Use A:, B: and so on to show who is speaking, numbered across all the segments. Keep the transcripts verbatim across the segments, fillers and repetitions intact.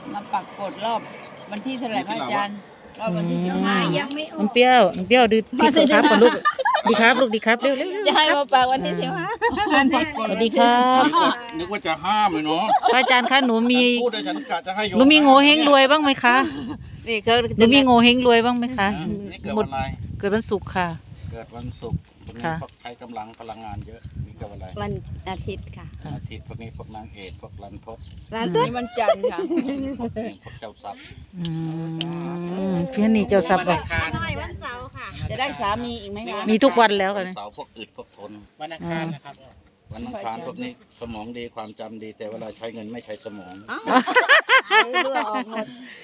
A: มาปักกดรอบวันที่เท่าไหร่พระอาจารย์รอบวันที่สิบห้ายังไม่ออก
B: มันเปรี้ยวมันเปรี้ยวดื้อดีครับก่อนลูกดีครับลูกดีครับเร็วเร็ว
A: จะให้มาปักวันที่สิบห้า
B: สวัสดีครับ
C: นึกว่าจะห้ามเลยเนาะ
B: พระอาจารย์คะหนูมี
C: พูดได้ฉันกะจะให้โย
B: หนูมีโงเฮงรวยบ้างไหมคะ
A: นี่เขา
B: หนูมีโงเฮงรวยบ้างไหมคะ
C: นี่เกิดวันอะไร
B: เกิดวันศุกร์ค่ะ
C: เกิดวันศุกร์พวกนี้
B: ค่ะ
C: พวกใช้กำลังพลังงานเยอะมีเกิดวันอะไร
A: วันอาทิตย์ค่ะ
B: ค่ะ
C: อาทิตย์พวกนี้พวกนางเอกพวกรันทด
A: ร้านต้นวันจันทร์ค่ะ
C: พวกนี้พวกเจ้าทรัพย์
B: อืมเพี่อนนี่เจ้าทรัพย์บอก
A: วันเสาร์ค่ะ จะได้สามีอีกไหมคะ
B: มีทุกวันแล้วค่ะ
C: เสาร์พวกอึดพวกทน
D: วันอังคารนะครับ
C: วันอังคารพวกนี้สมองดีความจำดีแต่เวลาใช้เงินไม่ใช้สมอง
A: เรือออกหมด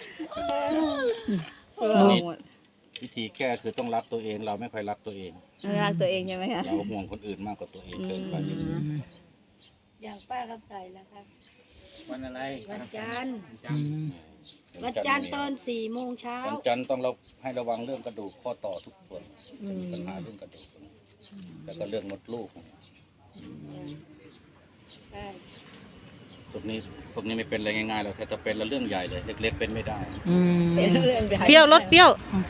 A: เรือออกหมด
C: วิธีแก้คือต้องรักตัวเองเราไม่ค่อยรักตัวเอง
A: รักตัวเองใช่ไหมคะ
C: เราห่วงคนอื่นมากกว่าตัวเองเกินไป
B: อืม
A: อย่างป้าคำใสแล้วครับ
D: วันอะไร
A: วันจันทร์
B: อืม
A: วันจันทร์ตอนสี่โมงเช้า
C: วันจันทร์ต้องเราให้ระวังเรื่องกระดูกข้อต่อทุกส่วน
A: อืม
C: มีปัญหาเรื่องกระดูกแล้วก็เรื่องมดลูก
A: ใช่
C: พวกนี้พวกนี้ไม่เป็นอะไรง่ายๆหรอกแต่จะเป็นแล้วเรื่องใหญ่เลยเล็กๆเป็นไม่ได้
B: อืม
A: เป็นเรื่องใหญ่
B: เปรี้ยวรสเปรี้ยว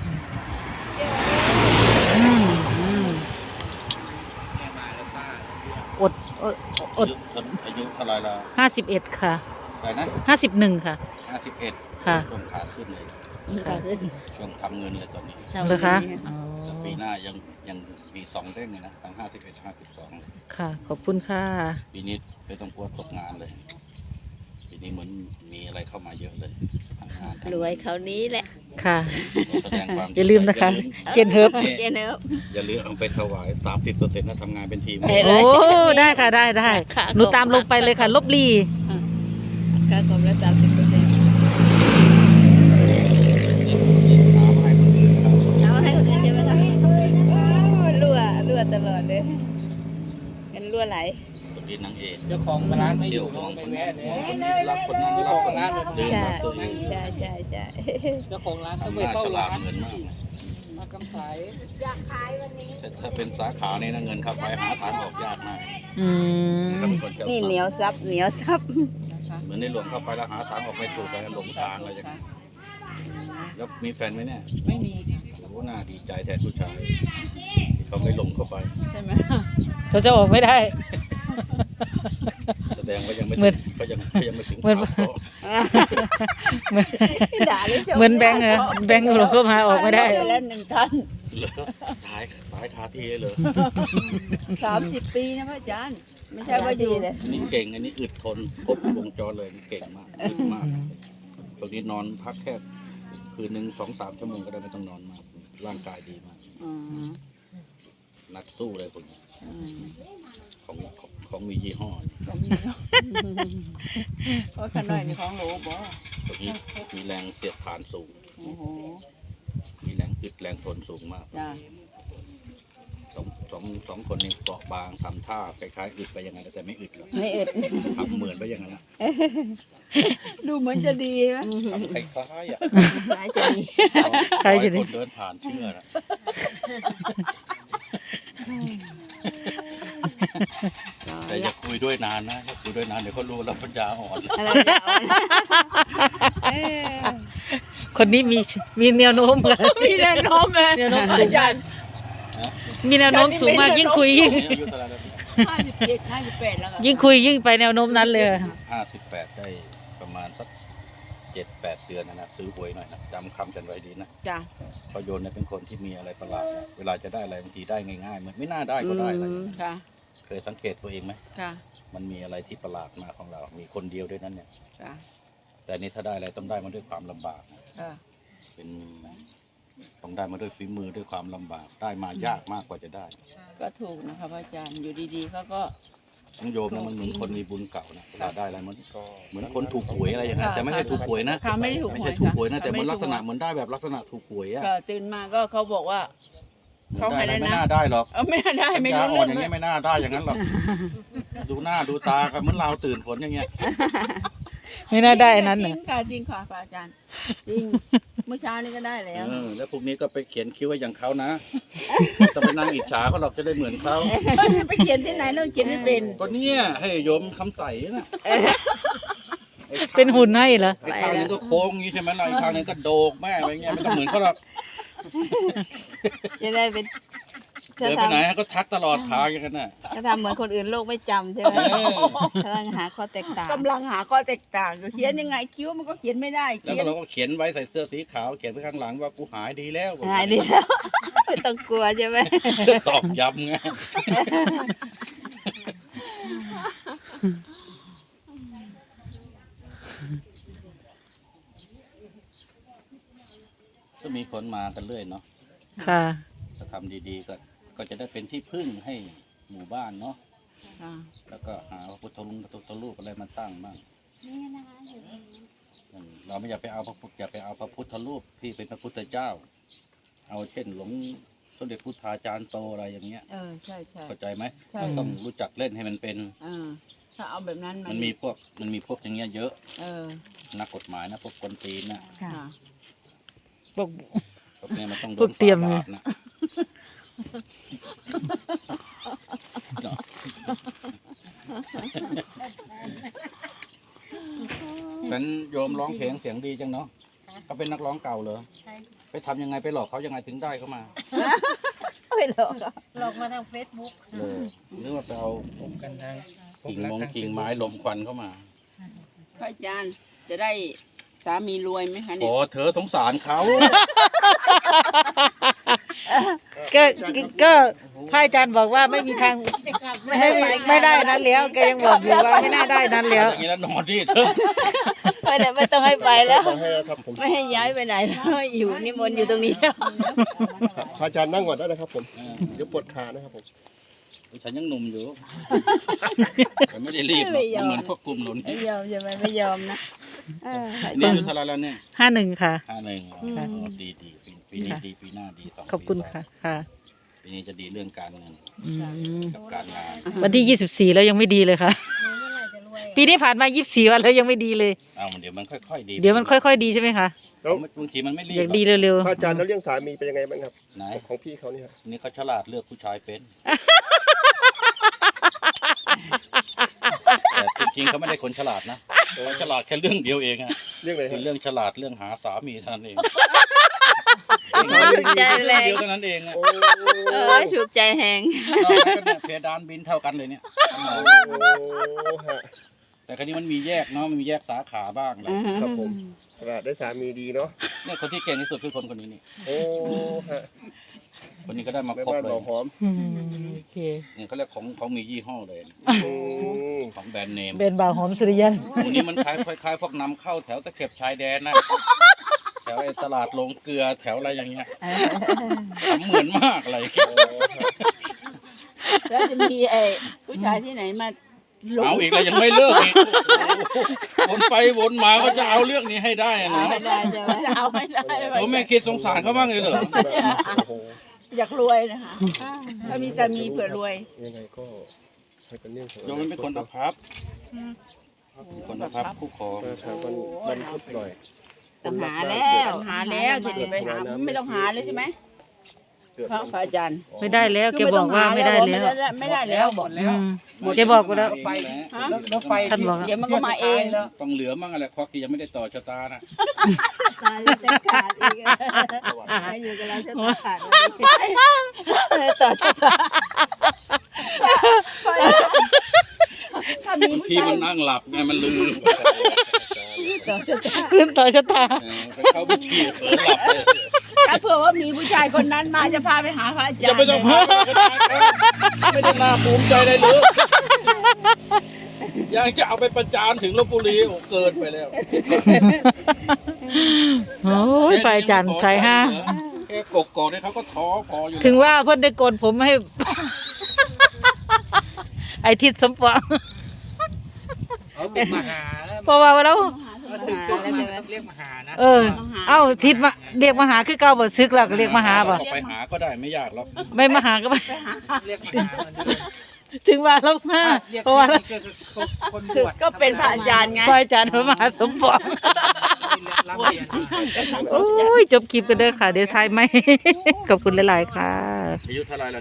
B: อืมอืม
D: แม่มาแล้วซ่า
B: อดอดอ
C: อา
B: ด
C: ยุเท่าอายุเท่าไหรละ
B: ห้าสิบเอ็ดค่ะ
C: อะไรนะ
B: ห้าสิบหนึ่งค่ะ
C: ห้าสิบเอ็ด
B: ค่ะ
C: ช่วงขาขึ้นเลย
A: ค่ะขึ้น
C: ช่วงทำเงินเลยตอนนี้
B: เหรอคะอ๋อ
C: แต่ปีหน้ายังยังมีสองเด้งเลยนะทั้งห้าสิบเอ็ดห้าสิบสอง
B: ค่ะ ขอบคุณค่ะ
C: ปีนี้ไม่ต้องกลัวตกงานเลยปีนี้เหมือนมีอะไรเข้ามาเยอะเลยทางงานทาง
A: รวยเขานี้แหละ
B: ค่ะ
C: แสดงความ
B: อย่าลืมนะคะ
C: อย่าลืม
B: เกนเฮิร์บ
A: เจนเนอร์
C: อย่าลืมเอาไปถวายสามสิบเปอร์เซ็นต์นะทำงานเป็นทีม
A: เห็นไหม
B: โอ้ได้ค่ะได้ได้
A: ค่ะ
B: หนูตามลงไปเลยค่ะ ลบลี
A: ค่าคอมละสามสิบเปอร์เซ็นต์
C: ถามให้คนอื่นครับ
A: เอาให้คนอื่นใช่ไหมคะรั่วรั่วตลอดเลยเป็นรั่วไหล
C: คนดีนางเอก
D: เจ้าของร้านไม่อ
C: เดี๋ยว
D: ยู่
C: ข
D: เขา
C: อง
D: ไป
C: คนนี้
D: แวะเลย
C: คนนี้รักคนนั้นรักคนนั้นลืม
A: ใช่
C: รักตัวเอง
A: ใช่ใช่ใช่
D: เจ้าของร้านต้อง
C: ทำ
D: ไป
C: หน้า
D: เฝ้า
C: ฉลา
D: ร้า
C: ด
D: น
C: เงินมาก
D: มากำสาย
C: แต่ถ้าเป็นสาขาเนี่ยนะเงินเข้าไปหาทางออกยากมาก
B: อืม
C: ถ้าเป็นคนเจ้า
A: นี่
C: ทรัพ
A: เหนียว
C: ย์
A: ซับเหนียวซับ
D: นะคะ
C: เหมือนในหลวงเข้าไปแล้วหาทางออกไม่ถูกเลยหลงทางอะไรอย่างเงี้ยแล้วมีแฟนไหมเนี่ย
D: ไม่มีค่ะ
C: โอ้น่าดีใจแทนผู้ชายที่เขาไม่หลงเข้าไป
D: ใช่ไหม
B: เขาจะออกไม่ได้
C: แสดงว่ายังไม่
B: เหมื
C: ถึ
B: อน
C: งก็ยังก็ยังไม่ถึง
B: เหมือน
C: ข่าวเขา
B: เหมือน
A: ด่าเลยช
B: เหมือนแบงค์เหรอแบงค์หลงเข้ามาออกไม่ได้
A: แล้วหนึ่งท่าน
C: เหรอตายตายคาที่เลย
A: สามสิบปีนะพระอาจารย์ไม่ใช่ว่าอยู่เลย
C: อันนี้เก่งอันนี้อึดทนครบวงจรเลยเก่งมากอึดมากตรงนี้นอนพักแค่คืนหนึ่งสองสามชั่วโมงก็ได้ไม่ต้องนอนมากร่างกายดีมาก
A: อืม
C: นักสู้เลยคนนี้
A: อืม
C: ของของของมียี่ห้อ
A: เพราะขน่อยนี่ของโหลบ่
C: ตรงนี้มีแรงเสียดทานสูง
A: โอ้โห
C: มีแรงอึดแรงทนสูงมาก
A: จ้า
C: สองสองสองคนนี้เปราะบางทำท่าคล้ายๆอึดไปยังไงแต่ไม่อึดหรอก
A: ไม่อึด
C: ทำเหมือนไปอย่างนั้นนะ
A: ดูเหมือนจะดีไหม
C: ทำคล้ายๆอ่ะ
A: สายจะดี
B: ใครจะดี
C: คนเดินผ่านเชื่อนะแต่อย่าคุยด้วยนานนะอย่าคุยด้วยนานเดี๋ยวเขารู้แล้วปัญญาอ่อน
A: อะไรจะเอาเออ
B: คนนี้มีมีแนวโน้มค่ะ
A: มีแรงโน้มเลย
B: แนวโน้มสูงมากมีแนวโน้มสูงมากยิ่งคุยยิ่ง
C: อายุเท่าไหร่แล้ว
A: ห้าสิบเจ็ดห้าสิบแปดแล้วค่ะ
B: ยิ่งคุยยิ่งไปแนวโน้มนั้นเลย
C: ห้าสิบแปดได้ประมาณสักเจ็ดแปดเดือนนะนะซื้อหวยหน่อยนะจำคำกันไว้ดีนะ
A: จ้า
C: เพราะโยนเนี่ยเป็นคนที่มีอะไรประหลาดนะเวลาจะได้อะไรบางทีได้ง่ายๆเหมือนไม่น่าได้ก็ได้อะไรอย่างเงี้ย
A: ค่ะ
C: เคยสังเกตตัวเองไหม
A: ค่ะ
C: มันมีอะไรที่ประหลาดมาของเรา มีคนเดียวด้วยนั้นเนี่ย
A: ค่ะ
C: แต่อันนี้ถ้าได้อะไรต้องได้มาด้วยความลำบากนะ
A: ค่ะ
C: เป็นต้องได้มาด้วยฝีมือด้วยความลำบาก ได้มายากมากกว่าจะได้
A: ก็ถูกนะคะพระอาจารย์อยู่ดีๆเขาก็
C: ทั้งโยมนะมันเหมือนคนมีบุญเก่านะเวลาได้อะไรมันก็เหมือนคนถูกหวยอะไรอย่างนั้นแต่ไม่ใช่ถูกหวยนะ
A: ค่ะไม่ได้ถูก
C: ไม่
A: หว
C: ใช่
A: ย
C: ถูก
A: ค่ะ
C: หวยนะแต่มันลักษณะ
A: ไ
C: เหมือนได้แบบลักษณะถูกหวยอะ
A: ค่ะตื่นมาก็เขาบอกว่า
C: เหมือน
A: เขา
C: ได้
A: ให้
C: อะไร
A: ได้นะ
C: ไม่น่าได้หรอก
A: เออไม่ได้ไม่
C: ปัญ
A: รู้
C: ญาอ่
A: เรื่
C: อ
A: อน ง
C: อย่าง
A: เล
C: เงี้
A: ย
C: ยไม่น่าได้อย่างนั้นหรอกดูหน้าดูตากันเหมือนเราตื่นฝนอย่างเงี้ย
B: ไม่น่าได้อันนั้น
A: จ
B: น่ะ
A: ริงค่ะจริงค่ะพระอาจารย์จริงเมื่อเช้านี้ก็ได้แล้ว
C: เออแล้วพวกนี้ก็ไปเขียนคิ้วไว้อย่างเขานะจะไปนั่งอิจฉาเขาหรอกจะได้เหมือนเขา
A: ไปเขียนที่ไหนเราเขียนไม่เป็น
C: ก็เนี่ยให้โยมคำใสน่ะไอ้
B: เป็นหุ่นให้เหรอ
C: ไอ้ข้างหนึงก็โค้งอย่างนี้ใช่ไหมล่ะอีกข้างหนึงก็โดกแม่อะไรเงี้ยไม่ต้องเหมือนเขาหรอก
A: จะได้เป็น
C: เดินไปไหนก็ทักตลอดทางอย่างนั้นน่ะ
A: ถ้าทำเหมือนคนอื่นโลกไม่จำใช่ไหม
C: เออ
A: กำลังหาข้อแตกต่าง
E: กำลังหาข้อแตกต่างอยู่เขียนยังไงคิ้วมันก็เขียนไม่ได้
C: แล้ว
E: เขีย
C: ก็
E: น
C: เราก็เขียนไว้ใส่เสื้อสีขาวเขียนไว้ข้างหลังว่ากูหายดีแล้ว
A: หายดีแล้ว ไม่ต้องกลัวใช่ไหม
C: ตอกย้ำไงก็มีคนมากันเรื่อยเนาะ
B: ค่ะ
C: ถ้าทำดีๆก็ก็จะได้เป็นที่พึ่งให้หมู่บ้านเนาะ
E: อ่า
C: แล้วก็หาพระพุทธรูปพระพุทธรูปอะไรมาตั้งบ้างอืมเราไม่อยากไปเอาพระพุทธอย่าไปเอาพระพุทธรูปที่เป็นพระพุทธเจ้า เอาเช่นหลวงสมเด็จพุทธาจารย์โตอะไรอย่างเงี้ย
E: เออใช่ใช่
C: เข้าใจไหม
E: ใช่
C: ต้องรู้จักเล่นให้มันเป็น
E: เออถ้าเอาแบบนั้น
C: มันมีพวกมันมีพวกอย่างเงี้ยเยอะ
E: เออ
C: นักกฎหมายนะพวกคนตีนนะ
A: ค่ะ
E: ค่ะ
B: บอก
C: พวกเนี้ยมันต้องโด
B: พวน กเตรียม
C: ฝ่า
B: ไง
C: บาปนะฉันโยมร้องเพลงเสียงดีจังเนาะเขาเป็นนักร้องเก่าเหรอไปทำยังไงไปหลอกเขายังไงถึงได้เขามา
A: ไม่หรอก
F: หลอกมาทางเฟซบุ๊ก
C: เออหรือว่าไปเอา
D: ผมกันทาง
C: กิ่งมงกิ่งไม้ลมควันเข้ามา
E: พระอาจารย์จะได้สามีรวยไหมคะเนี่
C: โอ้
E: ย
C: เธอสงสารเขา
B: ก็ก็พระอาจารย์บอกว่าไม่มีทางไม่ไม่ไม่ได้นั้นแล้วแกยังบอกอยู่ว่าไม่น่าได้นั้นแล้ว
C: อย่างนี้แล้วนอนดิเธอ
A: ไม่ได้ไม่ต้องให้ไปแล้ว
G: ขอให้ครับผม
A: ไม่ให้ย้ายไปไหนแล้วอยู่นิมนต์อยู่ตรงนี้แล้ว
G: พระอาจารย์นั่งก่อนได้นะครับผม
C: เออ
G: เดี๋ยวปวดขานะครับผม
C: ฉันยังหนุ่มอยู่ฉันไม่ได้รีบหรอกมันเหมือนพวกกลุ่มหนุน
A: ไม่ยอมใช่ไหมไม่ยอมนะเออ
C: นี่อายุเท่าไหรแล้วเนี่ย
B: ห้าหนึ่งค่ะ
C: ห้าหนึ่งอ๋อ
B: ค่ะ
C: ดีดีปีปีนี้ดีปีหน้าดีสอง
B: ขอบคุณ
C: ปีสง
B: ค่ะค่ะ
C: ปีนี้จะดีเรื่องการเงิน
B: อืม
C: กับการงาน
B: วันที่ยี่สิบสี่แล้วยังไม่ดีเลยค่ะ ปีนี้ผ่านมายี่สิบสี่วันแล้วยังไม่ดีเลย
C: เอาเดี๋ยวมันค่อยๆดี
B: เดี๋ยวมันค่อยๆดีใช่ไหมคะ
G: แล้ว
C: บางทีมันไม่รีบ
B: อยาก
C: หรอก
B: ดีเร็ว
G: พระอาจารย์แล้วเรื่องสามีเป็นยังไงบ้างครับ
C: ไหน
G: ของพี่เขาเนี่ยครับ
C: นี่เขาฉลาดเลือกผู้ชายเป็นแต่จริงๆเขาไม่ได้คนฉลาดนะเขาฉลาดแค่เรื่องเดียวเองอะ
G: เรื่องอะไรค
C: คื
G: รับ
C: อเรื่องฉลาดเรื่องหาสามีเท่านั้นเอง
A: ถูกใจแรง
C: เดียวเท่านั้นเองอะ
G: โอ้
A: เออถูกใจแหง
C: นอกนั้นก็เนี่ยเพดานบินเท่ากันเลยเนี่ย
G: ฮะ
C: แต่คราวนี้มันมีแยกเนาะมันมีแยกสาขาบ้างแหละ
G: ครับผมสละได้สามีดีเนาะ
C: เนี่ยคนที่เก่งที่สุดคือคนคนนี้นี่
G: โอ้ฮะ
C: คนนี้ก็ได้มา
G: แม่
C: ครบ
G: บ้าน
C: เล
G: ห
C: ย
G: อมหอม
B: ๆอืมโอเค
C: เนี่ยเขาเรียกของของมียี่ห้อเลย
G: อืม
C: ของแบรนด์เนม
B: เบนบ่าวหอมสุริยัน
C: ตรงนี้มันคล้ายคล้ายๆพวกนำเข้าแถวตะเข็บชายแดนนะแถวไอ้ตลาดลงเกลือแถวอะไรอย่างเงี้ยทำเหมือนมากอะไรอย่างเงี้ย
E: แล้วจะมีไอ้ผู้ชายที่ไหนมาหลง
C: เอาอีกแล้วยังไม่เลิกอีกโอ้โหวนไปวนมาก็จะเอาเรื่องนี้ให้ได้อะนะ
A: ไม่ได้ใช่ไหม
E: จะเอาไม่ได้
C: ผมไม่คิดสงสารเขาบ้างเลยเหรอ
G: โอ้โห
E: อยากรวยนะคะถ้ามีสามีเผื่อรวย
G: ยังไงก็ให้เป็นเรื่องของ
C: โยมมันเป็นคนอภัพเป็นคนอภัพคู่ครอง
G: มาทางวันวันพุธหน่อย
A: ต้องหาแล้ว
E: หาแล้วจะไปหาไม่ต้องหาเลยใช่ไหม
G: เดือด
E: พระพระอาจารย์
B: ไม่ได้แล้วแกบอกว่าไม่ได้แล้ว
E: ไม่ได้แล้วบอก
B: อืมแกบอกกูแล้ว
C: ไป
E: ฮะ
D: รถไฟ
B: ท่านบอก
E: เดี๋ยวมันก็มาเอง
C: ต้องเหลือมั่งอะไรควักที่ยังไม่ได้ต่อชะตานะ
A: ตายจะขาดอีกให้อยู่กับเราจะขาดเลยต่อชะตา
E: ถ้ามี
C: บาง
E: ผู้
C: ที
E: ชาย
C: มันนั่งหลับไงมันลืม
A: ต่อชะตา
B: ขึ้นต่อชะตา
C: เออไปเข้าพิธีเผลอหลับเลย
E: ถ้าเผื่อว่ามีผู้ชายคนนั้นมาจะพาไปหาพระอาจารย์
C: จะไม่ต้องพาไม่ได้น่าภูมิใจเลยหรือยังจะเอาไปประจานถึงลพบุรีโอ้เกินไปแล้ว
B: โอ้ยไปอาจารย์สายห้า
C: แค่กกอกเนี่ยเขาก็ท้อพออยู่แล้ว
B: ถึงว่าเพิ่นได้โกนผมให้ ไอทิศสมปอง
D: เขาเป็นมหา
B: เพราะว่าแล้ว
D: มาศึกษามาต้องเรียกมหานะ
B: เออ เอ้าทิศมาเรียกมาหาคือเก่าบ่ซึกแล้วก็เรียกมาหาบ่
C: ก็ไปหาก็ได้ไม่ยากหรอก
B: ไม่มาหาก็ไป
D: เรียกมหา
B: ถึงว่าเรามาเพราะว่าเรา
D: คนบ
E: ศึก
D: วช
E: ก็เป็นพระอาจารย์ไง
B: ฝ่ายอาจารย์พระมหาสมปอง
D: รับเรียนมา
B: โอ้ยจบคลิปกันเด้อค่ะ เดี๋ยวทายไหม ขอบคุณหลายๆค่ะ
C: อายุเท่าไหรแล้ว